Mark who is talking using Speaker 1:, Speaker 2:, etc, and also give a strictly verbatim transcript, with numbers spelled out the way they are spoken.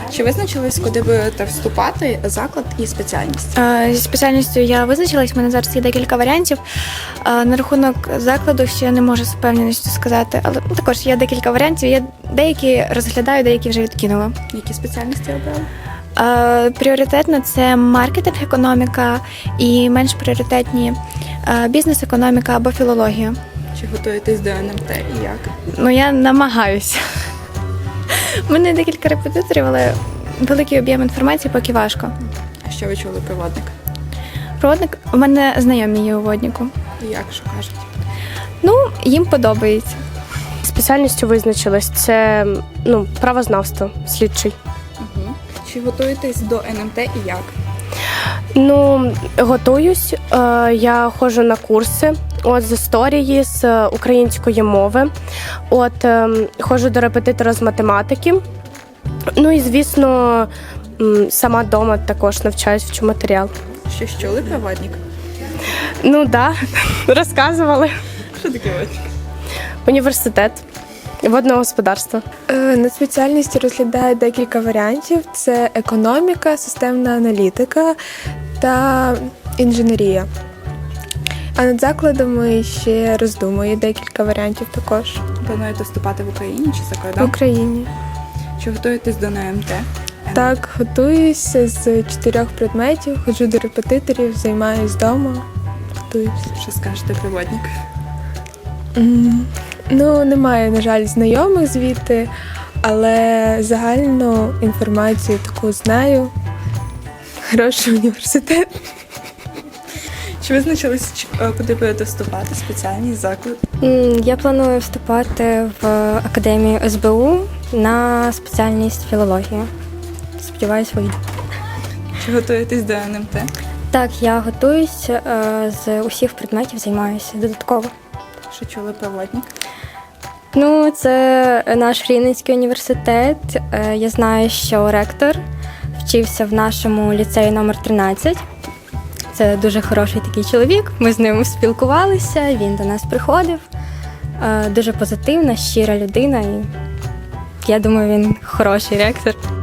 Speaker 1: Чи визначились, куди будете вступати, заклад і спеціальність?
Speaker 2: Е, Зі спеціальністю я визначилась, в мене зараз є декілька варіантів. Е, На рахунок закладу ще не можу з впевненістю сказати, але також є декілька варіантів. Я деякі розглядаю, деякі вже відкинула.
Speaker 1: Які спеціальності обрали?
Speaker 2: Е, Пріоритетно це маркетинг, економіка і менш пріоритетні е, бізнес-економіка або філологія.
Speaker 1: Чи готуєтесь до ен ем те і як?
Speaker 2: Ну, я намагаюся. У мене декілька репетиторів, але великий об'єм інформації поки важко.
Speaker 1: А що ви чули про водник?
Speaker 2: Проводник, у мене знайомі є у воднику.
Speaker 1: І як, що кажуть?
Speaker 2: Ну, їм подобається.
Speaker 3: Спеціальністю визначилась це ну, правознавство, слідчий.
Speaker 1: Угу. Чи готуєтесь до ен ем те і як?
Speaker 3: Ну, готуюсь. Е, я ходжу на курси от, з історії, з української мови. От, е, ходжу до репетитора з математики. Ну і, звісно, м, сама вдома також навчаюсь, вчу матеріал.
Speaker 1: Щось чули про водник?
Speaker 3: Ну так, да, розказували.
Speaker 1: Що таке водник?
Speaker 3: Університет водного господарства.
Speaker 4: Е, На спеціальності розглядають декілька варіантів: це економіка, системна аналітика та інженерія. А над закладами ще роздумую декілька варіантів також
Speaker 1: Плануєте вступати в Україні чи за
Speaker 4: в
Speaker 1: кордон?
Speaker 4: Україні.
Speaker 1: Чи готуєтесь до ен ем те?
Speaker 4: Так, готуюся з чотирьох предметів, ходжу до репетиторів, займаюсь вдома, готуюсь.
Speaker 1: Що скажете про водник?
Speaker 4: М, Ну, немає, на жаль, знайомих звідти, але загальну інформацію таку знаю. Хороший університет.
Speaker 1: Чи визначились, чи- е, куди будете вступати? Спеціальність, заклад?
Speaker 5: М, Я планую вступати в академію ес бе у на спеціальність філологія. Сподіваюсь, вийду.
Speaker 1: Чи готуєтесь до ен ем те?
Speaker 5: Так, я готуюсь е, з усіх предметів, займаюся додатково.
Speaker 1: Що чули про водник?
Speaker 5: Ну, це наш Рівненський університет. Е, Я знаю, що ректор вчився в нашому ліцеї номер тринадцять. Це дуже хороший такий чоловік. Ми з ним спілкувалися, він до нас приходив. Е, Дуже позитивна, щира людина. І я думаю, він хороший ректор.